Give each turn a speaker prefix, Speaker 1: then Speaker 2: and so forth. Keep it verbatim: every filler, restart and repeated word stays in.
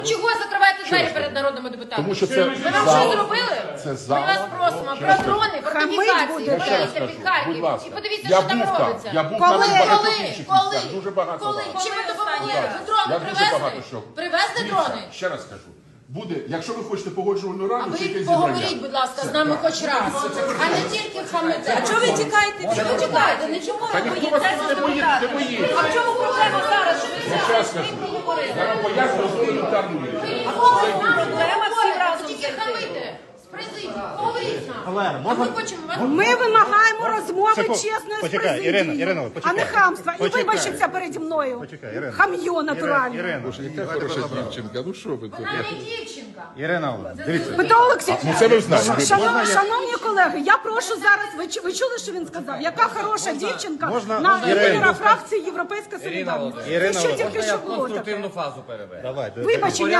Speaker 1: Чого закриваєте двері перед народними депутатами?
Speaker 2: Тому що це
Speaker 1: Ви нам
Speaker 2: зал.
Speaker 1: що зробили?
Speaker 2: Це зал.
Speaker 1: Ми вас просимо про дрони, фортифікації,
Speaker 2: Я ще раз
Speaker 1: подивіться
Speaker 2: кажу,
Speaker 1: під
Speaker 2: будь
Speaker 1: Харків.
Speaker 2: ласка.
Speaker 1: І подивіться,
Speaker 2: Я
Speaker 1: що там
Speaker 2: був там,
Speaker 1: робиться.
Speaker 2: я був
Speaker 1: Коли?
Speaker 2: там і в багатьох
Speaker 1: Коли?
Speaker 2: інших
Speaker 1: Коли?
Speaker 2: місцях. Дуже багато
Speaker 1: Коли?
Speaker 2: раз.
Speaker 1: Чим ви допомогли?
Speaker 2: Так.
Speaker 1: Ви дрони
Speaker 2: Я дуже
Speaker 1: привезли?
Speaker 2: багато що.
Speaker 1: Привезли
Speaker 2: Дивіться,
Speaker 1: дрони?
Speaker 2: ще раз кажу. Буде, якщо ви хочете погоджувальну
Speaker 1: А
Speaker 2: раду, чи
Speaker 1: ви
Speaker 2: якесь
Speaker 1: поговоріть,
Speaker 2: зібрання.
Speaker 1: будь ласка, з нами хоч раз. А не тільки хамите.
Speaker 3: А чого ви тікаєте? Чого ви тікаєте? Не чому
Speaker 2: Та
Speaker 3: ви
Speaker 2: ніхто вас
Speaker 3: боїтеся
Speaker 2: не боїться, не боїться.
Speaker 3: А в чому проблема зараз? Що ви
Speaker 2: Ще раз кажу. Я вам поясню елементарну річ.
Speaker 3: проблема всі разом
Speaker 1: Тільки
Speaker 3: зайти?
Speaker 1: хамите. З президії. Поговоріть з нами.
Speaker 4: Олена,
Speaker 1: А
Speaker 4: можна-
Speaker 1: ми хочемо вас...
Speaker 5: Ми вимагаємо розмови
Speaker 4: Секунду.
Speaker 5: чесної з
Speaker 4: Почекай,
Speaker 5: президією,
Speaker 4: Ірина, Ірина,
Speaker 5: а
Speaker 4: почекай.
Speaker 5: не хамства. І
Speaker 4: Почекай.
Speaker 5: вибачиться переді мною.
Speaker 4: Почекай, Ірина.
Speaker 5: Хам'йо натуральне.
Speaker 4: Ірина,
Speaker 2: Яка хороша дівчинка, ну що ви тут?
Speaker 1: Вона не дівчинка.
Speaker 4: Ірина, дивіться.
Speaker 5: Петро Олексійович,
Speaker 2: Ну це ви знаєте.
Speaker 5: шанов- шановні колеги, я прошу зараз, ви, чу- ви чули, що він сказав? Яка хороша дівчинка
Speaker 4: можна-
Speaker 5: на
Speaker 4: можна
Speaker 5: лідера
Speaker 4: Ірину?
Speaker 5: фракції Європейська Солідарність.
Speaker 4: Ірина
Speaker 5: Це що
Speaker 4: Володимирівна,
Speaker 5: тільки що було таке?
Speaker 6: Конструктивну фазу перевести.
Speaker 4: Давай,
Speaker 5: Вибачення.